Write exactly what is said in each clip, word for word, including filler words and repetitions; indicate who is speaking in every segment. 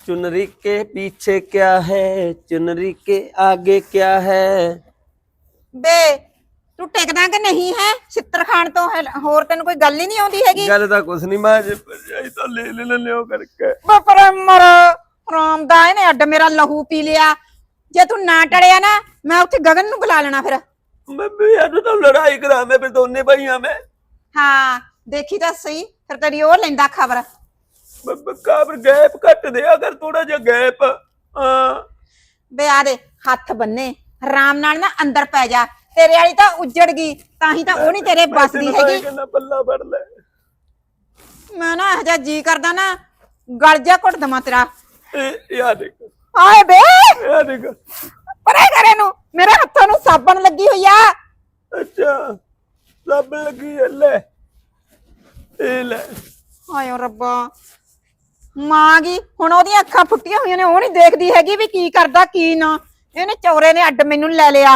Speaker 1: चुनरी के पीछे क्या है, चुनरी के आगे क्या है।
Speaker 2: बे तू टेकदा कि नहीं है चित्र खान तो है होर तेन कोई गल ही नहीं आउंदी हैगी।
Speaker 1: गल तां कुछ नहीं, मैं जे भरजाई तो ले ले लियो करके।
Speaker 2: पर मर राम दा इहने अड्ड मेरा लहू पी लिया। जे तू ना टड़िया ना मैं उत्थे गगन नूं बुला लेना फिर।
Speaker 1: मैं भी यार तो लड़ाई करा मैं फिर दोने भाइयां में।
Speaker 2: हाँ देखी तो सही फिर तेरी ओ लेंदा खबर।
Speaker 1: काबर गैप कट दे अगर थोड़ा जा गैप। हां
Speaker 2: बे आ दे हाथ बन्ने राम नाल ना अंदर पै जा। तेरे वाली तो उजड़ गई ताही तो वो नहीं तेरे बस दी हैगी।
Speaker 1: पल्ला फड़ ले
Speaker 2: मैं ना हजा जी करदा ना गल जा घुट दमा तेरा।
Speaker 1: यार देख
Speaker 2: हाय बे
Speaker 1: यार देख
Speaker 2: परे करे नु मेरे हत्थों नु साबन लगी हुई आ।
Speaker 1: अच्छा साबन लगी है ले ए ले।
Speaker 2: हाय रब्बा मां गी हुण ओदियां अखां फुट्टियां होईयां ने ओ नहीं देखदी हैगी भी की करदा की ना। इहने चौरे ने अड्ड मैनू ले लिया।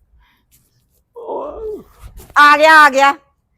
Speaker 2: आ गया आ गया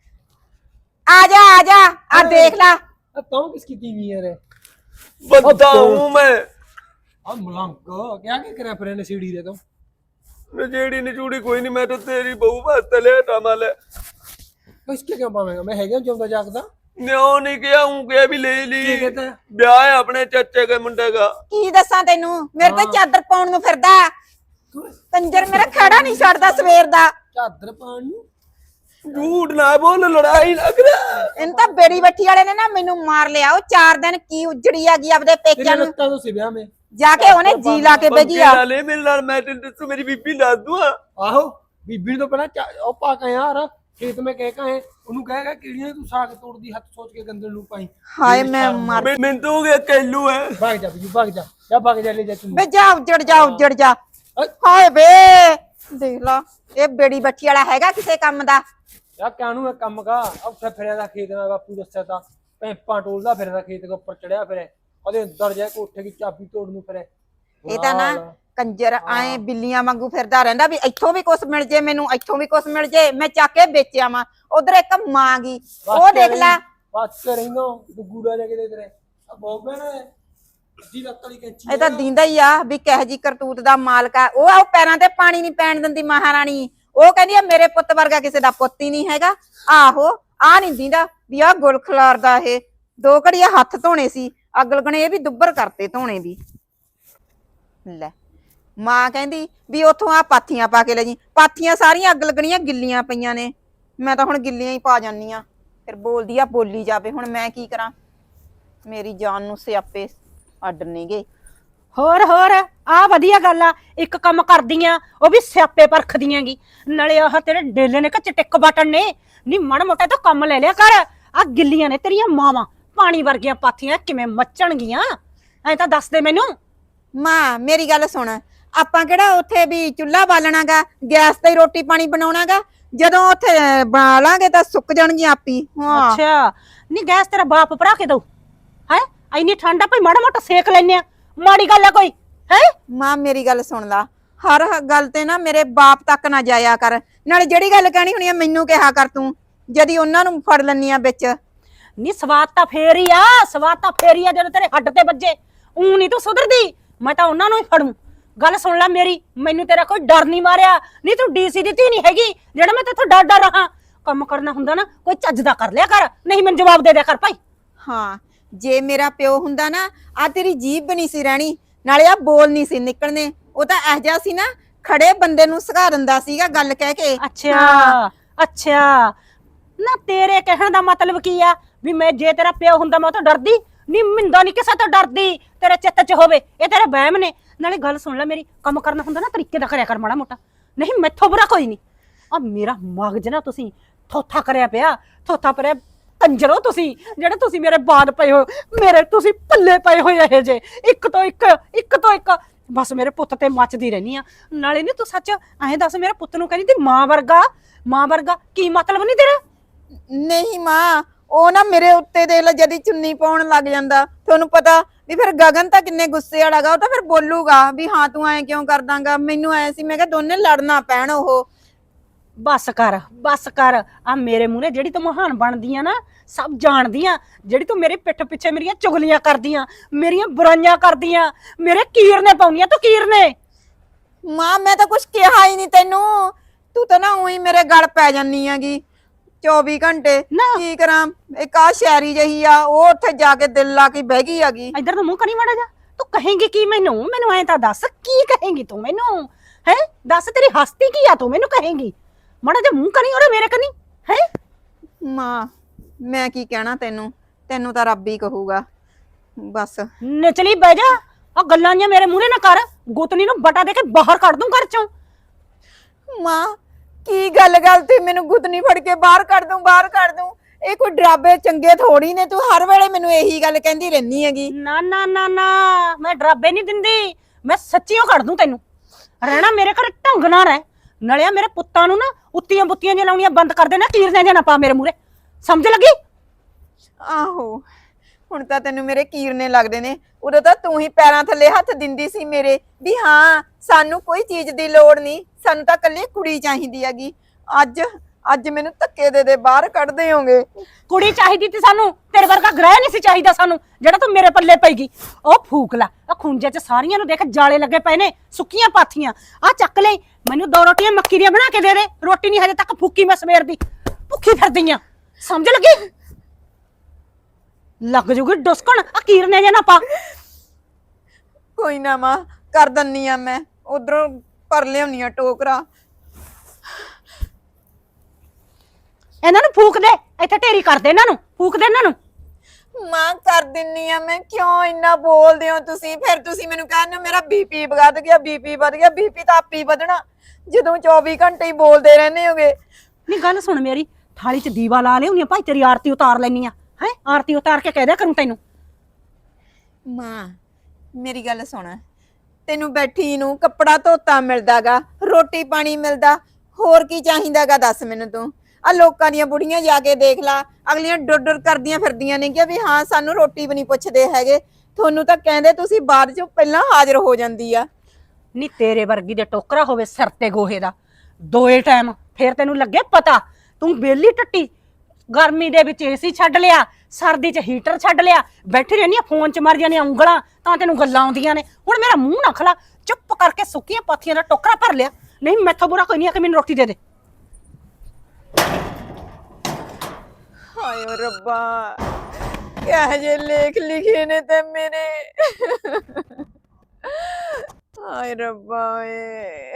Speaker 2: आजा आजा आ देख ला।
Speaker 3: तुम किसकी टीवी है रे?
Speaker 1: बताऊं मैं
Speaker 3: अब मलंग क्या क्या करे फिर ने सीढ़ी रे तुम
Speaker 1: नजेड़ी निचूड़ी कोई नहीं, मैं तो तेरी बहू वास्ते ले टमाले।
Speaker 3: इसके क्यों पावेंगा मैं हैगा जिंदा जागदा
Speaker 1: न्यो नहीं किया हूं के भी ले ली।
Speaker 3: की कहता है?
Speaker 1: ब्याह है अपने चाचे के मुंडे का।
Speaker 2: की दसा तेनू मेरे ते चादर पाउण नू फिरदा कंजर मेरा खड़ा नहीं छड़दा सवेर दा।
Speaker 3: चादर पान नू
Speaker 1: झूठ ना बोल लड़ाई लग रहा।
Speaker 2: इन तां बेड़ी बट्ठी वाले ने ना मैनू मार लिया। ओ चार दिन की उजड़ी आ गई अपने पेकिਆਂ
Speaker 3: तेरे
Speaker 2: नू
Speaker 3: लगता तो सी ब्याह में
Speaker 2: जाके ओने जी ला के बेगी आ।
Speaker 1: ले मेरे नाल मैं तेरे मेरी बीबी ला दूं।
Speaker 3: आहो बीबी तो पहला ओ पा के यार खेत में कह का है ओनू कहेगा कीड़ियां तू साग तोड़दी हाथ सोच के गंदल नू पाई।
Speaker 2: हाय मैं मर
Speaker 1: मैं मैं तो हो गया कैलू है।
Speaker 3: भाग जा बीबी भाग जा जा भाग जा ले जा तू
Speaker 2: बे जा उजड़ जा उजड़ जा। हाय बे देख ला ये बेड़ी बट्ठी वाला हैगा किसे काम दा।
Speaker 3: यार कानू है काम का अब फिर फिरदा खेत में बापू दस्या था पैंपा टोलदा फिरदा खेत के ऊपर चढ़िया फिरे ओदे अंदर जाके कोठे की चाबी तोड़ नू फिरे।
Speaker 2: ਇਹ ਤਾਂ ਨਾ ਕੰਜਰ ਆਏ ਬਿੱਲੀਆਂ ਵਾਂਗੂ ਫਿਰਦਾ ਰਹਿੰਦਾ ਵੀ ਇੱਥੋਂ ਵੀ ਕੁਛ ਮਿਲ ਜੇ ਮੈਨੂੰ ਇੱਥੋਂ ਵੀ ਕੁਛ ਮਿਲ ਜੇ ਮੈਂ ਚੱਕ ਕੇ ਵੇਚਿਆ ਵਾਂ। ਉਧਰ ਇੱਕ ਮਾਂ ਗਈ ਉਹ ਦੇਖ ਲੈ
Speaker 3: ਬਸ ਰਹਿੰਦਾ ਗੁੱਗੂੜਾ ਜਾ ਕੇ ਦੇ ਤੇਰੇ ਆ ਬੋਬੇ ਨੇ ਜੀ ਲੱਕੜੀ ਕੈਂਚੀ
Speaker 2: ਇਹ ਤਾਂ ਦਿੰਦਾ ਹੀ ਆ ਵੀ ਕਹਿ ਜੀ ਕਰਤੂਤ ਦਾ ਮਾਲਕ ਆ। ਉਹ ਆ ਪੈਰਾਂ ਤੇ ਪਾਣੀ ਨਹੀਂ ਪੈਣ ਦਿੰਦੀ ਮਹਾਰਾਣੀ। ਉਹ ਕਹਿੰਦੀ ਆ ਮੇਰੇ ਪੁੱਤ ਵਰਗਾ ਕਿਸੇ ਦਾ ਪੁੱਤ ਹੀ ਨਹੀਂ ਹੈਗਾ। ਆਹੋ ਆ ਨਹੀਂ ਦਿੰਦਾ ਵੀ ਆ ਗੁਲ ਖਲਾਰਦਾ ਇਹ ਦੋ ਘੜੀਆਂ ਹੱਥ ਧੋਣੇ ਸੀ ਅੱਗ ਲੱਗਣੇ ਇਹ ਵੀ ਦੁੱਬਰ ਕਰਤੇ ਧੋਣੇ ਵੀ। ਲੈ ਮਾਂ ਕਹਿੰਦੀ ਵੀ ਉਥੋਂ ਆ ਪਾਥੀਆਂ ਪਾ ਕੇ ਲੈ ਜੀ। ਪਾਥੀਆਂ ਸਾਰੀਆਂ ਅੱਗ ਲੱਗਣੀਆਂ ਗਿੱਲੀਆਂ ਪਈਆਂ ਨੇ। ਮੈਂ ਤਾਂ ਹੁਣ ਗਿੱਲੀਆਂ ਹੀ ਪਾ ਜਾਨੀ ਆ। ਫਿਰ ਬੋਲਦੀ ਆ ਬੋਲੀ ਜਾਵੇ ਹੁਣ ਮੈਂ ਕੀ ਕਰਾਂ। ਮੇਰੀ ਜਾਨ ਨੂੰ ਸਿਆਪੇ ਅੱਡ ਨਹੀਂ ਗਏ।
Speaker 4: ਹੋਰ ਹੋਰ ਆ ਵਧੀਆ ਗੱਲ ਆ। ਇੱਕ ਕੰਮ ਕਰਦੀਆਂ ਉਹ ਵੀ ਸਿਆਪੇ ਪਰਖਦੀਆਂ ਗੀ ਨਾਲੇ ਆਹ ਤੇਰੇ ਡੇਲੇ ਨੇ ਕੱਚ ਟਿੱਕ ਬਟਨ ਨੇ ਨੀ ਮਣ ਮੋਟਾ ਤਾਂ ਕੰਮ ਲੈ ਲਿਆ ਕਰ। ਆ ਗਿੱਲੀਆਂ ਨੇ ਤੇਰੀਆਂ ਮਾਵਾਂ ਪਾਣੀ ਵਰਗੀਆਂ ਪਾਥੀਆਂ ਕਿਵੇਂ ਮੱਚਣਗੀਆਂ ਐ ਤਾਂ ਦੱਸ ਦੇ ਮੈਨੂੰ।
Speaker 2: ਮਾਂ ਮੇਰੀ ਗੱਲ ਸੁਣ ਆਪਾਂ ਕਿਹੜਾ ਉੱਥੇ ਵੀ ਚੁੱਲ੍ਹਾ ਬਾਲਣਾਗਾ ਗੈਸ ਤੇ ਰੋਟੀ ਪਾਣੀ ਬਣਾਉਣਾਗਾ। ਜਦੋਂ ਉੱਥੇ ਬਣਾ ਲਾਂਗੇ ਤਾਂ ਸੁੱਕ ਜਾਣਗੀਆਂ ਆਪੀ। ਹਾਂ
Speaker 4: ਅੱਛਾ ਨੀ ਗੈਸ ਤੇਰਾ ਬਾਪ ਭਰਾ ਕੇ ਦਊ ਹੈ ਇੰਨੀ ਠੰਡਾ ਭਾਈ ਮਾੜਾ ਮੋਟਾ ਸੇਕ ਲੈਨੇ ਆ ਮਾੜੀ ਗੱਲ ਆ ਕੋਈ ਹੈ।
Speaker 2: ਮਾਂ ਮੇਰੀ ਗੱਲ ਸੁਣ ਲਾ ਹਰ ਗੱਲ ਤੇ ਨਾ ਮੇਰੇ ਬਾਪ ਤੱਕ ਨਾ ਜਾਇਆ ਕਰ। ਨਾਲੇ ਜਿਹੜੀ ਗੱਲ ਕਹਿਣੀ ਹੋਣੀ ਆ ਮੈਨੂੰ ਕਿਹਾ ਕਰ ਤੂੰ ਜਦੀ ਉਹਨਾਂ ਨੂੰ ਫੜ ਲੈਣੀ ਆ ਵਿੱਚ।
Speaker 4: ਨੀ ਸਵਾਦ ਤਾਂ ਫੇਰ ਹੀ ਆ ਸਵਾਦ ਤਾਂ ਫੇਰ ਹੀ ਆ ਜਦੋਂ ਤੇਰੇ ਹੱਡ ਤੇ ਵੱਜੇ। ਊ ਨਹੀਂ ਤੂੰ ਸੁਧਰਦੀ ਮੈਂ ਤਾਂ ਉਹਨਾਂ ਨੂੰ ਹੀ ਫੜੂ। ਗੱਲ ਸੁਣ ਲੈ ਮੇਰੀ ਮੈਨੂੰ ਤੇਰਾ ਕੋਈ ਡਰ ਨਹੀਂ ਮਾਰਿਆ। ਨਹੀਂ ਤੂੰ ਡੀਸੀ ਦੀ ਧੀ ਨਹੀਂ ਹੈਗੀ ਜਿਹੜਾ ਮੈਂ ਤੇਥੋਂ ਡਰ ਡਰ ਰਹਾ। ਕੰਮ ਕਰਨਾ ਹੁੰਦਾ ਨਾ ਕੋਈ ਚੱਜ ਦਾ ਕਰ ਲਿਆ ਕਰ ਨਹੀਂ ਮੈਨੂੰ ਜਵਾਬ ਦੇ ਦਿਆ ਕਰ ਭਾਈ।
Speaker 2: ਹਾਂ ਜੇ ਮੇਰਾ ਪਿਓ ਹੁੰਦਾ ਨਾ ਆ ਤੇਰੀ ਜੀਭ ਬਣੀ ਸੀ ਰਹਿਣੀ ਨਾਲੇ ਆ ਬੋਲ ਨਹੀਂ ਸੀ ਨਿਕਲਣੇ। ਉਹ ਤਾਂ ਇਹ ਜਿਹਾ ਸੀ ਨਾ ਖੜੇ ਬੰਦੇ ਨੂੰ ਸਿਖਾ ਦਿੰਦਾ ਸੀਗਾ ਗੱਲ ਕਹਿ ਕੇ।
Speaker 4: ਅੱਛਾ ਅੱਛਾ ਨਾ ਤੇਰੇ ਕਹਿਣ ਦਾ ਮਤਲਬ ਕੀ ਆ ਵੀ ਮੈਂ ਜੇ ਤੇਰਾ ਪਿਓ ਹੁੰਦਾ ਮੈਂ ਉਹ ਤੋਂ ਡਰਦੀ ਨੀ ਮਿੰਦਾ ਨੀ ਕਿਸੇ ਤੋਂ ਡਰਦੀ ਤੇਰੇ ਚਿੱਤ 'ਚ ਹੋਵੇ ਇਹ ਤੇਰੇ ਵਹਿਮ ਨੇ। ਨਾਲੇ ਗੱਲ ਸੁਣ ਲੈ ਮੇਰੀ ਕੰਮ ਕਰਨਾ ਹੁੰਦਾ ਨਾ ਤਰੀਕੇ ਦਾ ਕਰਿਆ ਕਰ ਮਾੜਾ ਮੋਟਾ ਨਹੀਂ ਮੈਥੋਂ ਬੁਰਾ ਕੋਈ ਨਹੀਂ। ਆ ਮੇਰਾ ਮਗਜ ਨਾ ਤੁਸੀਂ ਥੋਥਾ ਕਰਿਆ ਪਿਆ ਥੋਥਾ ਪਰਿਆ ਕੰਜਰੋ ਤੁਸੀਂ ਜਿਹੜੇ ਤੁਸੀਂ ਮੇਰੇ ਬਾਦ ਪਏ ਹੋ ਮੇਰੇ ਤੁਸੀਂ ਪੱਲੇ ਪਏ ਹੋਏ ਇਹ ਜੇ ਇੱਕ ਤੋਂ ਇੱਕ ਇੱਕ ਤੋਂ ਇੱਕ ਬਸ ਮੇਰੇ ਪੁੱਤ ਤੇ ਮੱਚਦੀ ਰਹਿਨੀ ਆ। ਨਾਲੇ ਨੀ ਤੂੰ ਸੱਚ ਐਂ ਦੱਸ ਮੇਰੇ ਪੁੱਤ ਨੂੰ ਕਹਿੰਦੀ ਤੀ ਮਾਂ ਵਰਗਾ ਮਾਂ ਵਰਗਾ ਕੀ ਮਤਲਬ ਨਹੀਂ ਤੇਰਾ।
Speaker 2: ਨਹੀਂ ਮਾਂ ਉਹ ਨਾ ਮੇਰੇ ਉੱਤੇ ਦੇ ਲੈ ਜਦੀ ਚੁੰਨੀ ਪਾਉਣ ਲੱਗ ਜਾਂਦਾ ਤੁਹਾਨੂੰ ਪਤਾ ਵੀ ਫਿਰ ਗਗਨ ਤਾਂ ਕਿੰਨੇ ਗੁੱਸੇ ਵਾਲਾਗਾ। ਉਹ ਤਾਂ ਫਿਰ ਬੋਲੂਗਾ ਵੀ ਹਾਂ ਤੂੰ ਐਂ ਕਿਉਂ ਕਰਦਾਂਗਾ। ਮੈਨੂੰ ਐ ਸੀ ਮੈਂ ਕਿਹਾ ਦੋਨੇ ਲੜਨਾ ਪੈਣ। ਉਹ
Speaker 4: ਬਸ ਕਰ ਬਸ ਕਰ ਆ ਮੇਰੇ ਮੂਹਰੇ ਜਿਹੜੀ ਤੂੰ ਮਹਾਨ ਬਣਦੀ ਆ ਨਾ ਸਭ ਜਾਣਦੀ ਆ ਜਿਹੜੀ ਤੂੰ ਮੇਰੇ ਪਿੱਠ ਪਿੱਛੇ ਮੇਰੀਆਂ ਚੁਗਲੀਆਂ ਕਰਦੀਆਂ, ਮੇਰੀਆਂ ਬੁਰਾਈਆਂ ਕਰਦੀਆਂ, ਮੇਰੇ ਕੀਰਨੇ ਪਾਉਂਦੀਆਂ ਤੂੰ ਕੀਰਨੇ।
Speaker 2: ਮਾਂ ਮੈਂ ਤਾਂ ਕੁਝ ਕਿਹਾ ਹੀ ਨਹੀਂ ਤੈਨੂੰ, ਤੂੰ ਤਾਂ ਨਾ ਉਹੀ ਮੇਰੇ ਗਲ ਪੈ ਜਾਨੀ ਹੈਗੀ ਚੌਵੀ ਘੰਟੇ।
Speaker 4: ਨਾ।
Speaker 2: ਕੀ ਕਰਾਂ, ਇੱਕ ਆ ਸ਼ਾਇਰੀ ਜਹੀ ਆ ਉਹ ਉੱਥੇ ਜਾ ਕੇ ਦਿਲ ਲਾ ਕੇ ਬਹਿ ਗਈ ਹੈਗੀ।
Speaker 4: ਇੱਧਰ ਨੂੰ ਮੂੰਹ ਕਰੀ ਮਾੜਾ ਜਾ, ਤੂੰ ਕਹੇਂਗੀ ਕੀ ਮੈਨੂੰ? ਮੈਨੂੰ ਐਂ ਤਾਂ ਦੱਸ ਕੀ ਕਹੇਂਗੀ ਤੂੰ ਮੈਨੂੰ? ਹੈ ਦੱਸ ਤੇਰੀ ਹਸਤੀ ਕੀ ਆ, ਤੂੰ ਮੈਨੂੰ ਕਹੇਂਗੀ? ਮਾੜਾ ਜਾ ਮੂੰਹ ਕਰੀ ਉਹਦੇ ਮੇਰੇ ਕਨੀ ਹੈ।
Speaker 2: ਮਾਂ ਮੈਂ ਕੀ ਕਹਿਣਾ ਤੈਨੂੰ, ਤੈਨੂੰ ਤਾਂ ਰੱਬ ਹੀ ਕਹੂਗਾ ਬਸ।
Speaker 4: ਨਚਲੀ ਬਹਿ ਜਾ, ਆ ਗੱਲਾਂ ਜੀਆਂ ਮੇਰੇ ਮੂਹਰੇ ਨਾ ਕਰ, ਗੁੱਤਨੀ ਨੂੰ ਬਟਾ ਦੇ ਕੇ ਬਾਹਰ ਕੱਢ ਦੂੰ ਘਰ ਚੋਂ।
Speaker 2: ਮਾਂ ਕੀ ਗੱਲ ਗੱਲ ਤੇ ਮੈਨੂੰ ਗੁੱਤਨੀ ਫੜ ਕੇ ਬਾਹਰ ਕੱਢ ਦੂੰ, ਬਾਹਰ ਕੱਢ ਦੂੰ? ਇਹ ਕੋਈ ਡਰਾਬੇ ਚੰਗੇ ਥੋੜੀ ਨੇ, ਤੂੰ ਹਰ ਵੇਲੇ ਮੈਨੂੰ ਇਹੀ ਗੱਲ ਕਹਿੰਦੀ ਰਹਿਨੀ ਹੈਗੀ।
Speaker 4: ਨਾ ਨਾ ਨਾ ਨਾ ਮੈਂ ਡਰਾਬੇ ਨਹੀਂ ਦਿੰਦੀ, ਮੈਂ ਸੱਚੀਓ ਕੱਢ ਦੂੰ ਤੈਨੂੰ। ਰਹਿਣਾ ਮੇਰੇ ਘਰ ਢੰਗ ਨਾਲ ਰਹਿ, ਨਲਿਆ ਮੇਰੇ ਪੁੱਤਾਂ ਨੂੰ ਨਾ ਉੱਤੀਆਂ ਬੁੱਤੀਆਂ ਜਿਹੀਆਂ ਲਾਉਣੀਆਂ ਬੰਦ ਕਰ ਦੇ ਨਾ, ਕੀਰਨੇ ਜਿਹਾ ਨਾ ਪਾ ਮੇਰੇ ਮੂਹਰੇ, ਸਮਝ ਲੱਗੀ?
Speaker 2: ਆਹੋ ਹੁਣ ਤਾਂ ਤੈਨੂੰ ਮੇਰੇ ਕੀਰਨੇ ਲੱਗਦੇ ਨੇ, ਉਦੋਂ ਤਾਂ ਤੂੰ ਹੀ ਪੈਰਾਂ ਥੱਲੇ ਹੱਥ ਦਿੰਦੀ ਸੀ ਮੇਰੇ ਵੀ ਹਾਂ ਸਾਨੂੰ ਕੋਈ ਚੀਜ਼ ਦੀ ਲੋੜ ਨਹੀਂ, ਸਾਨੂੰ ਤਾਂ ਇਕੱਲੀ ਕੁੜੀ ਚਾਹੀਦੀ ਹੈਗੀ। ਅੱਜ ਅੱਜ ਮੈਨੂੰ ਧੱਕੇ ਦੇ ਦੇ ਬਾਹਰ ਕੱਢਦੇ ਹੋਗੇ।
Speaker 4: ਕੁੜੀ ਚਾਹੀਦੀ ਤੀ ਸਾਨੂੰ, ਤੇਰੇ ਵਰਗਾ ਗ੍ਰਹਿ ਨਹੀਂ ਸੀ ਚਾਹੀਦਾ ਸਾਨੂੰ ਜਿਹੜਾ ਤੂੰ ਮੇਰੇ ਪੱਲੇ ਪਈਗੀ। ਉਹ ਫੂਕ ਲੈ, ਆ ਖੁੰਝੇ ਚ ਸਾਰੀਆਂ ਨੂੰ ਦੇਖ ਜਾਲੇ ਲੱਗੇ ਪਏ ਨੇ, ਸੁੱਕੀਆਂ ਪਾਥੀਆਂ। ਆ ਚੱਕ ਲੈ, ਮੈਨੂੰ ਦੋ ਰੋਟੀਆਂ ਮੱਕੀ ਦੀਆਂ ਬਣਾ ਕੇ ਦੇ ਦੇ, ਰੋਟੀ ਨਹੀਂ ਹਜੇ ਤੱਕ ਫੂਕੀ ਮੈਂ ਸਵੇਰ ਦੀ, ਭੁੱਖੀ ਫਿਰਦੀ ਆਂ, ਸਮਝ ਲੱਗੀ? ਲੱਗ ਜੂਗੀ ਡੁਸਕਣ, ਆ ਕੀਰਨੇ ਜੇ ਨਾ ਪਾ।
Speaker 2: ਕੋਈ ਨਾ ਮਾਂ ਕਰ ਦੰਨੀ ਆ, ਮੈਂ ਉਧਰੋਂ ਭਰ ਲਿਆਉਣੀ ਆ ਟੋਕਰਾ।
Speaker 4: ਇਹਨਾਂ ਨੂੰ ਫੂਕ ਦੇ, ਇੱਥੇ ਢੇਰੀ ਕਰ ਦੇ ਇਹਨਾਂ ਨੂੰ, ਫੂਕ ਦੇ ਇਹਨਾਂ ਨੂੰ।
Speaker 2: ਮਾਂ ਕਰ ਦਿੰਨੀ ਆ ਮੈਂ, ਕਿਉਂ ਇੰਨਾ ਬੋਲਦੇ ਹੋ ਤੁਸੀਂ? ਫਿਰ ਤੁਸੀਂ ਮੈਨੂੰ ਕਹਿੰਦੇ ਹੋ ਮੇਰਾ ਬੀਪੀ ਵੱਧ ਗਿਆ, ਬੀਪੀ ਵੱਧ ਗਿਆ। ਬੀਪੀ ਤਾਂ ਆਪੇ ਵਧਣਾ ਜਦੋਂ ਚੌਵੀ ਘੰਟੇ ਹੀ ਬੋਲਦੇ ਰਹਿੰਦੇ ਹੋਗੇ।
Speaker 4: ਨਹੀਂ ਗੱਲ ਸੁਣ ਮੇਰੀ, ਥਾਲੀ 'ਚ ਦੀਵਾ ਲਾ ਲਿਆਉਣੀ ਭਾਈ, ਤੇਰੀ ਆਰਤੀ ਉਤਾਰ ਲੈਣੀ ਆ ਹੈ, ਆਰਤੀ ਉਤਾਰ ਕੇ ਕਹਿ ਦਿਆ ਕਰੂੰ ਤੈਨੂੰ।
Speaker 2: ਮਾਂ ਮੇਰੀ ਗੱਲ ਸੁਣ, ਤੈਨੂੰ ਬੈਠੀ ਨੂੰ ਕੱਪੜਾ ਧੋਤਾ ਮਿਲਦਾਗਾ, ਰੋਟੀ ਪਾਣੀ ਮਿਲਦਾ, ਹੋਰ ਕੀ ਚਾਹੀਦਾਗਾ ਦੱਸ ਮੈਨੂੰ ਤੂੰ? ਆ ਲੋਕਾਂ ਦੀਆਂ ਬੁੜੀਆਂ ਜਾ ਕੇ ਦੇਖ ਲਾ, ਅਗਲੀਆਂ ਡੁਰ ਡੁਰ ਕਰਦੀਆਂ ਫਿਰਦੀਆਂ ਨੇ ਕਿ ਵੀ ਹਾਂ ਸਾਨੂੰ ਰੋਟੀ ਵੀ ਨਹੀਂ ਪੁੱਛਦੇ ਹੈਗੇ, ਤੁਹਾਨੂੰ ਤਾਂ ਕਹਿੰਦੇ ਤੁਸੀਂ ਬਾਅਦ ਚੋਂ ਪਹਿਲਾਂ ਹਾਜ਼ਰ ਹੋ ਜਾਂਦੀ ਆ।
Speaker 4: ਨੀ ਤੇਰੇ ਵਰਗੀ ਦੇ ਟੋਕਰਾ ਹੋਵੇ ਸਿਰ ਤੇ ਗੋਹੇ ਦਾ ਦੋਏ ਟਾਈਮ, ਫੇਰ ਤੈਨੂੰ ਲੱਗੇ ਪਤਾ। ਤੂੰ ਬੇਲੀ ਟੱਟੀ, ਗਰਮੀ ਦੇ ਵਿੱਚ ਏਸੀ ਛੱਡ ਲਿਆ, ਸਰਦੀ 'ਚ ਹੀਟਰ ਛੱਡ ਲਿਆ, ਬੈਠੀ ਰਹਿੰਦੀ ਆ ਫੋਨ 'ਚ ਮਰ ਜਾਂਦੀਆਂ ਉਂਗਲਾਂ, ਤਾਂ ਤੈਨੂੰ ਗੱਲਾਂ ਆਉਂਦੀਆਂ ਨੇ। ਹੁਣ ਮੇਰਾ ਮੂੰਹ ਨਾ ਖਲਾ, ਚੁੱਪ ਕਰਕੇ ਸੁੱਕੀਆਂ ਪਾਥੀਆਂ ਦਾ ਟੋਕਰਾ ਭਰ ਲਿਆ, ਨਹੀਂ ਮੈਥੋਂ ਬੁਰਾ ਕੋਈ ਨਹੀਂ ਆ ਕਿ ਮੈਨੂੰ ਰੋਟੀ ਦੇ ਦੇ।
Speaker 2: ਹਾਏ ਓ ਰੱਬਾ, ਕਿਹੋ ਜਿਹੇ ਲੇਖ ਲਿਖੇ ਨੇ ਤੇ ਮੇਰੇ। ਹਾਏ ਰੱਬਾ ਏ।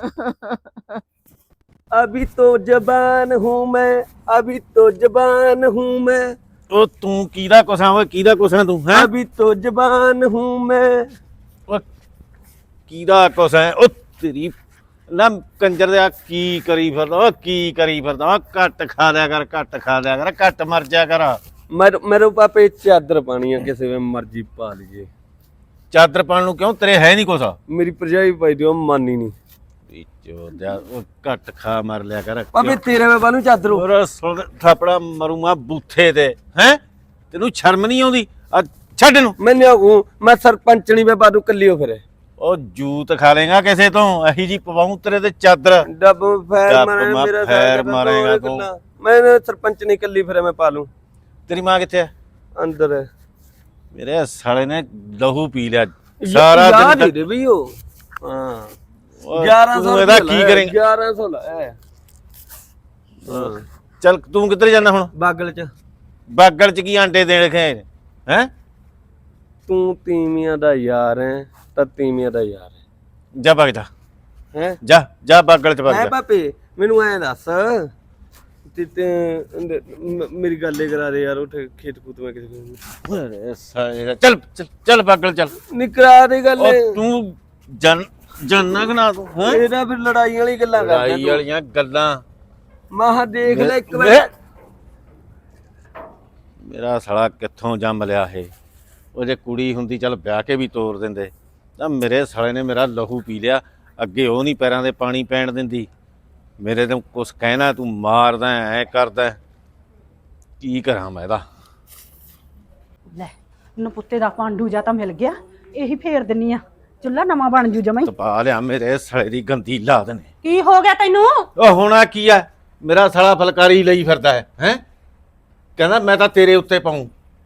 Speaker 1: अभी तो जबान हूँ मैं, अभी तो जबान हूँ मैं।
Speaker 5: ਉਹ ਤੂੰ ਕਿਹਦਾ ਕੁਛਾਂ ਓਏ, ਕਿਹਦਾ ਕੁਛਾਂ ਤੂੰ ਹੈ?
Speaker 1: अभी तो जबान हूँ मैं।
Speaker 5: ਓ ਕਿਹਦਾ ਕੁਛਾਂ ਉਹ ਤੇਰੀ ਨਾ ਕੰਜਰ ਦੇ, ਕੀ ਕਰੀ ਫਿਰਦਾ ਓ, ਕੀ ਕਰੀ ਫਿਰਦਾ ਓ? ਘੱਟ ਖਾ ਲਿਆ ਕਰ, ਘੱਟ ਖਾ ਲਿਆ ਕਰ, ਘੱਟ ਮਰ ਜਾ ਕਰ।
Speaker 1: मेरे मेरे पापे चादर पानी है, किसी में मर्जी पा लीजिए।
Speaker 5: ਚਾਦਰ ਪਾਣ ਨੂੰ ਕਿਉਂ, ਤੇਰੇ ਹੈ ਨਹੀਂ ਕੁਛ?
Speaker 1: मेरी भरजाई पाई दी, मानी नहीं।
Speaker 5: ਉਹ ਘੱਟ ਖਾ ਮਰ ਲਿਆ ਕਰ।
Speaker 1: पापे तेरे में पालू चादर।
Speaker 5: ਹੋਰ ਸੁਣ ਥਾਪੜਾ ਮਰੂੰਗਾ ਬੂਥੇ ਤੇ, ਹੈ ਤੈਨੂੰ ਸ਼ਰਮ ਨਹੀਂ ਆਉਂਦੀ? ਆ ਛੱਡ ਨੂੰ,
Speaker 1: मैं नहीं आऊँ, मैं सरपंचनी में पादू कली हो फिर।
Speaker 5: ਉਹ ਜੂਤ ਖਾ ਲੇਗਾ ਕਿਸੇ ਤੋਂ, ਅਹੀ ਜੀ ਪਵਾਉਂ ਤੇਰੇ ਤੇ ਚਾਦਰ।
Speaker 1: डब फैर
Speaker 5: डब
Speaker 1: मारे
Speaker 5: मा-
Speaker 1: मेरा
Speaker 5: फैर
Speaker 1: साथ
Speaker 5: मारेगा
Speaker 1: तो
Speaker 5: तू।
Speaker 1: मैं सरपंचनी कली फिर मैं पालू।
Speaker 5: ਤੇਰੀ ਮਾਂ ਕਿੱਥੇ ਹੈ?
Speaker 1: अंदर है
Speaker 5: ਮੇਰੇ ਸਾਲੇ ਨੇ ਲਹੂ ਪੀ ਲਿਆ ਸਾਰਾ ਦਿਨ
Speaker 1: याद
Speaker 5: ਤੱਕ।
Speaker 1: ही भी हो। हाँ
Speaker 5: ਓਏ,
Speaker 1: ग्यारह सौ
Speaker 5: ਤੂੰ ਇਹਦਾ ਕੀ ਕਰੇਂਗਾ?
Speaker 1: ग्यारह सौ है
Speaker 5: ਚੱਲ ਤੂੰ ਕਿੱਧਰ ਜਾਣਾ ਹੁਣ?
Speaker 1: बागल च।
Speaker 5: ਬਾਗਲ ਚ ਕੀ ਆਂਡੇ ਦੇਣ ਖੇ ਹੈ?
Speaker 1: तू तीमिया दा यार है ता तीमिया दा यार है
Speaker 5: ਜਾ ਭਗ ਜਾ,
Speaker 1: हैं
Speaker 5: ਜਾ ਜਾ ਬਾਗਲ ਚ ਭਗ
Speaker 1: है
Speaker 5: ਜਾ।
Speaker 1: पापे मेनू ऐ दस ते ते म- मेरी गल करा दे यार, उठ खेत कूत में किसी
Speaker 5: ਓਏ ਸਾਲੇ ਦਾ, ਚੱਲ ਚੱਲ ਚੱਲ ਬਾਗਲ ਚੱਲ।
Speaker 1: निकरा दे गल।
Speaker 5: ਉਹ ਤੂੰ ਜਨ ਜਾਨਾ ਕਿ ਨਾ ਤੂੰ ਹੈ?
Speaker 1: ਇਹਦਾ ਫਿਰ ਲੜਾਈ ਵਾਲੀ ਗੱਲਾਂ ਕਰਦਾ
Speaker 5: ਲੜਾਈ ਵਾਲੀਆਂ ਗੱਲਾਂ।
Speaker 1: ਮਾਹ ਦੇਖ ਲੈ ਇੱਕ ਵਾਰ।
Speaker 5: ਵੇ- ਮੇਰਾ ਸਾਲਾ ਕਿੱਥੋਂ ਜੰਮ ਲਿਆ ਇਹ? ਉਹ ਜੇ ਕੁੜੀ ਹੁੰਦੀ ਚੱਲ ਵਿਆਹ ਕੇ ਵੀ ਤੋਰ ਦਿੰਦੇ, ਤਾਂ ਮੇਰੇ ਸਾਲੇ ਨੇ ਮੇਰਾ ਲਹੂ ਪੀ ਲਿਆ। ਅੱਗੇ ਉਹ ਨਹੀਂ ਪੈਰਾਂ ਦੇ ਪਾਣੀ ਪੈਣ ਦਿੰਦੀ, ਮੇਰੇ ਤੋਂ ਕੁਛ ਕਹਿਣਾ ਤੂੰ ਮਾਰਦਾ ਐ ਕਰਦਾ। ਕੀ ਕਰਾਂ ਮੈਂ ਇਹਦਾ?
Speaker 4: ਲੈ ਨਪੁੱਤੇ ਦਾ ਪਾਂਡੂ ਜਾ ਤਾਂ ਮਿਲ ਗਿਆ, ਇਹੀ ਫੇਰ ਦਿੰਨੀ ਆ, ਚੁੱਲਾ ਨਵਾਂ ਬਣ ਜੂ ਜਮਾਈ।
Speaker 5: ਤਪਾ ਲਿਆ ਮੇਰੇ ਸਾਲੇ ਦੀ ਗੰਦੀ ਲਾਦ ਨੇ।
Speaker 4: ਕੀ ਹੋ ਗਿਆ ਤੈਨੂੰ?
Speaker 5: ਉਹ ਹੋਣਾ ਕੀ ਆ, ਮੇਰਾ ਸਾਲਾ ਫਲਕਾਰੀ ਲਈ ਫਿਰਦਾ ਹੈ ਹੈ ਕਹਿੰਦਾ ਮੈਂ ਤਾਂ ਤੇਰੇ ਉੱਤੇ ਪਾਉਂ।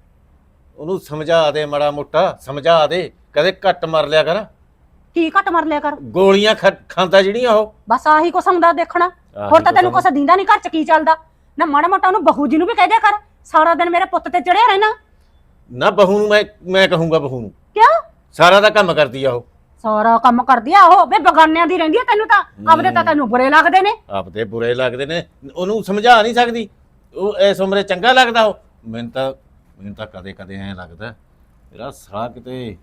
Speaker 5: ਉਹਨੂੰ ਸਮਝਾ ਦੇ ਮਾੜਾ ਮੋਟਾ, ਸਮਝਾ ਦੇ, ਕਦੇ ਘੱਟ ਮਰ ਲਿਆ ਕਰ।
Speaker 4: ਕੀ ਘੱਟ ਮਰ ਲਿਆ ਕਰ?
Speaker 5: ਗੋਲੀਆਂ ਖਾ- ਖਾਂਦਾ ਜਿਹੜੀਆਂ ਉਹ।
Speaker 4: ਬਸ ਆਹੀ ਕੁਛ ਹੁੰਦਾ ਦੇਖਣਾ,
Speaker 5: ਆਹੀ
Speaker 4: ਹੋਰ ਤਾਂ
Speaker 5: ਕੁਛ
Speaker 4: ਤੈਨੂੰ
Speaker 5: ਹੁੰਦਾ।
Speaker 4: ਕੁਛ ਦੀਂਦਾ ਨਹੀਂ ਘਰ ਚ ਕੀ ਚੱਲਦਾ ਨਾ। ਮਾੜਾ ਮੋਟਾ ਉਹਨੂੰ ਬਹੂ ਜੀ ਨੂੰ ਵੀ ਕਹਿ ਦਿਆ ਕਰ, ਸਾਰਾ ਦਿਨ ਮੇਰੇ ਪੁੱਤ ਤੇ ਚੜਿਆ ਰਹਿਣਾ।
Speaker 5: ਨਾ ਬਹੂ ਨੂੰ ਮੈਂ ਮੈਂ ਕਹੂੰਗਾ ਬਹੂ ਨੂੰ,
Speaker 4: ਕਿਉਂ?
Speaker 5: ਸਾਰਾ ਦਾ ਕੰਮ ਕਰਦੀ ਆ ਉਹ।
Speaker 4: ਸਾਰਾ ਕੰਮ ਕਰਦੀ ਆ ਉਹ, ਵੇ ਬਗਾਨਿਆਂ ਦੀ ਰਹਿੰਦੀ ਆ ਤੈਨੂੰ ਤਾਂ, ਆਪਦੇ ਤਾਂ ਤੈਨੂੰ ਬੁਰੇ ਲੱਗਦੇ ਨੇ।
Speaker 5: ਆਪਦੇ ਬੁਰੇ ਲੱਗਦੇ ਨੇ, ਉਹਨੂੰ ਸਮਝਾ ਨਹੀਂ ਸਕਦੀ। ਉਹ ਇਸ ਉਮਰੇ ਚੰਗਾ ਲੱਗਦਾ ਉਹ। ਮੈਨੂੰ ਤਾਂ ਮੈਨੂੰ ਤਾਂ ਕਦੇ ਕਦੇ ਐਂ ਲੱਗਦਾ ਮੇਰਾ ਸਾਲਾ ਕਿਤੇ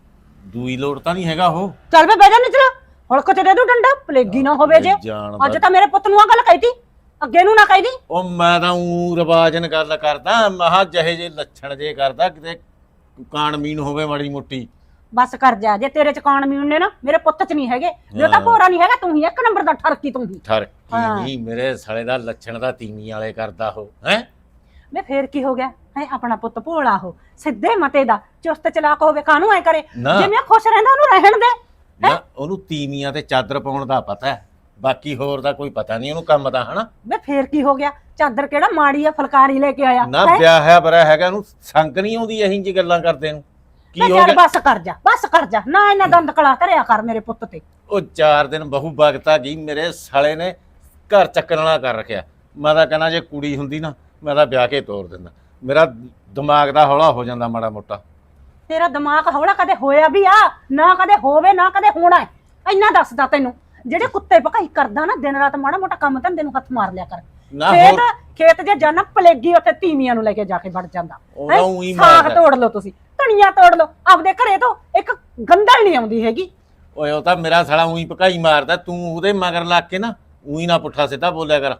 Speaker 5: ਦੂਈ ਲੋੜ ਤਾਂ ਨਹੀਂ ਹੈਗਾ ਉਹ।
Speaker 4: ਚੱਲ ਵੇ ਬਹਿ ਜਾ ਨਿਚਲਾ, ਹਲਕ ਚ ਦੇ ਦੂ ਡੰਡਾ, ਪਲੇਗੀ ਨਾ ਹੋਵੇ ਜੇ।
Speaker 5: ਜਾਣਦਾ-
Speaker 4: ਅੱਜ ਤਾਂ ਮੇਰੇ ਪੁੱਤ ਨੂੰ ਆ ਗੱਲ ਕਹਿਤੀ, ਅੱਗੇ ਨੂੰ ਨਾ ਕਹਿਦੀ।
Speaker 5: ਉਹ ਮੈਂ ਤਾਂ ਊ ਰਿਵਾਜਨ ਗੱਲ ਕਰਦਾ, ਮਹਾ ਜਿਹੇ ਜੇ ਲੱਛਣ ਜੇ ਕਰਦਾ ਕਿਤੇ ਕਾਣਮੀਨ ਹੋਵੇ ਮਾੜੀ ਮੋਟੀ।
Speaker 4: ਬਸ ਕਰ ਜਾ, ਜੇ ਤੇਰੇ ਚ ਕਾਣ ਮੀਣ ਨੇ ਨਾ, ਮੇਰੇ ਪੁੱਤ ਚ ਨਹੀਂ ਹੈਗੇ। ਜੇ ਤਾਂ ਭੋਰਾ ਨਹੀਂ ਹੈਗਾ, ਤੂੰ ਹੀ ਇੱਕ ਨੰਬਰ ਦਾ ਠਰਕੀ ਤੂੰ ਹੀ।
Speaker 5: ਠਰਕੀ
Speaker 4: ਹਾਂ।
Speaker 5: ਨਹੀਂ, ਮੇਰੇ ਸਾਲੇ ਦਾ ਲੱਛਣ ਦਾ ਤੀਵੀਂ ਵਾਲੇ ਕਰਦਾ ਉਹ ਹੈ।
Speaker 4: ਵੇ ਫੇਰ ਕੀ ਹੋ ਗਿਆ ਹੈ? ਆਪਣਾ ਪੁੱਤ ਭੋਲਾ ਹੋ, ਸਿੱਧੇ ਮਤੇ ਦਾ, ਚੁਸਤ ਚਲਾਕ ਹੋਵੇ, ਕਾਹਨੂੰ ਐ ਕਰੇ?
Speaker 5: ਨਾ।
Speaker 4: ਜਿਵੇਂ ਖੁਸ਼ ਰਹਿੰਦਾ ਉਹਨੂੰ ਰਹਿਣ ਦੇ।
Speaker 5: ਨਾ ਉਹਨੂੰ ਤੀਵੀਆਂ ਤੇ ਚਾਦਰ ਪਾਉਣ ਦਾ ਪਤਾ ਹੈ, ਬਾਕੀ ਹੋਰ ਦਾ ਕੋਈ ਪਤਾ ਨਹੀਂ ਉਹਨੂੰ ਕੰਮ ਦਾ, ਹਨਾ।
Speaker 4: ਵੇ ਫੇਰ ਕੀ ਹੋ ਗਿਆ? ਚਾਦਰ ਕਿਹੜਾ ਮਾੜੀ ਆ, ਫੁਲਕਾਰੀ ਲੈ ਕੇ ਆਇਆ।
Speaker 5: ਨਾ
Speaker 4: ਹੈਂ?
Speaker 5: ਵਿਆਹ ਹੈ ਬਰਾ ਹੈਗਾ, ਉਹਨੂੰ ਸੰਗ ਨਹੀਂ ਆਉਂਦੀ ਇਹੀ ਜੀ ਗੱਲਾਂ ਕਰਦੇ ਨੂੰ। ਕੀ
Speaker 4: ਵੇ
Speaker 5: ਹੋ
Speaker 4: ਚੱਲ
Speaker 5: ਗਿਆ?
Speaker 4: ਬਸ ਕਰ ਜਾ, ਬਸ ਕਰ ਜਾ, ਨਾ ਇਹਨਾਂ ਦੰਦ ਕਲਾ ਧਰਿਆ ਕਰ ਮੇਰੇ ਪੁੱਤ ਤੇ।
Speaker 5: ਉਹ ਚਾਰ ਦਿਨ ਬਹੂ ਬਗਤਾ ਗਈ, ਮੇਰੇ ਸਾਲੇ ਨੇ ਘਰ ਚੱਕਣ ਵਾਲਾ ਕਰ ਰੱਖਿਆ। ਮੈਂ ਤਾਂ ਕਹਿੰਦਾ ਜੇ ਕੁੜੀ ਹੁੰਦੀ ਨਾ, ਮੈਂ ਤਾਂ ਵਿਆਹ ਕੇ ਤੋਰ ਦਿੰਦਾ। ਮੇਰਾ ਦਿਮਾਗ ਦਾ ਹੌਲਾ ਹੋ ਜਾਂਦਾ ਮਾੜਾ ਮੋਟਾ।
Speaker 4: ਤੇਰਾ ਦਿਮਾਗ ਹੌਲਾ ਕਦੇ ਹੋਇਆ ਵੀ ਆ ਨਾ, ਕਦੇ ਹੋਵੇ ਨਾ ਕਦੇ ਹੋਣਾ ਹੈ। ਇੰਨਾ ਦੱਸਦਾ ਤੈਨੂੰ, ਜਿਹੜੇ ਕੁੱਤੇ ਭਕਾਈ ਕਰਦਾ ਨਾ ਦਿਨ ਰਾਤ, ਮਾੜਾ ਮੋਟਾ ਕੰਮ ਧੰਦੇ ਨੂੰ ਹੱਥ ਮਾਰ ਲਿਆ ਕਰ।
Speaker 5: ਨਾ
Speaker 4: ਖੇਤ
Speaker 5: ਹੋਰ
Speaker 4: ਖੇਤ ਜੇ ਜਾਣਾ, ਪਲੇਗੀ ਉੱਥੇ ਤੀਵੀਆਂ ਨੂੰ ਲੈ ਕੇ ਜਾ ਕੇ ਵੜ ਜਾਂਦਾ।
Speaker 5: ਉਹਦਾ
Speaker 4: ਹੈਂ?
Speaker 5: ਊਂ ਹੀ
Speaker 4: ਸਾਗ
Speaker 5: ਮਾਰਦਾ।
Speaker 4: ਤੋੜ ਲਓ ਤੁਸੀਂ, ਧਨੀਆ ਤੋੜ ਲਓ, ਆਪਦੇ ਘਰੇ ਤੋਂ ਇੱਕ ਗੰਦਲ ਨਹੀਂ ਆਉਂਦੀ ਹੈਗੀ।
Speaker 5: ਓਏ ਉਹ ਤਾਂ ਮੇਰਾ ਸਾਲਾ ਉਹੀ ਭਕਾਈ ਮਾਰਦਾ, ਤੂੰ ਉਹਦੇ ਮਗਰ ਲੱਗ ਕੇ ਨਾ ਉਹੀ ਨਾ ਪੁੱਠਾ ਸਿੱਧਾ ਬੋਲਿਆ ਕਰ।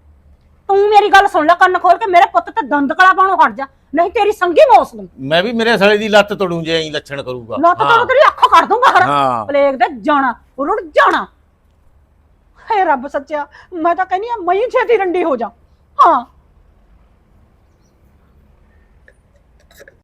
Speaker 4: ਤੂੰ ਮੇਰੀ ਗੱਲ ਸੁਣ ਲੈ ਕੰਨ ਖੋਲ ਕੇ, ਮੇਰੇ ਪੁੱਤ ਤੇ ਦੰਦ ਕਲਾ ਪਾਉਣੋਂ ਹਟ ਜਾ, ਨਹੀਂ ਤੇਰੀ ਸੰਗੀ ਮੌਸ ਨੂੰ
Speaker 5: ਮੈਂ ਵੀ ਮੇਰੇ ਸਾਲੇ ਦੀ ਲੱਤ ਤੋੜੂ ਜੇ ਐਂ ਲੱਛਣ ਕਰੂਗਾ।
Speaker 4: ਲੱਤ ਤੋੜ ਤੇਰੀ ਅੱਖ ਕਰ ਦੂੰਗਾ ਹਰ
Speaker 5: ਹਾਂ।
Speaker 4: ਪਲੇਗ ਦੇ ਜਾਣਾ, ਰੁੜ ਜਾਣਾ। ਹੇ ਰੱਬ ਸੱਚਿਆ, ਮੈਂ ਤਾਂ ਕਹਿੰਦੀ ਆ ਮਈ ਛੇਤੀ ਰੰਡੀ ਹੋ ਜਾ। ਹਾਂ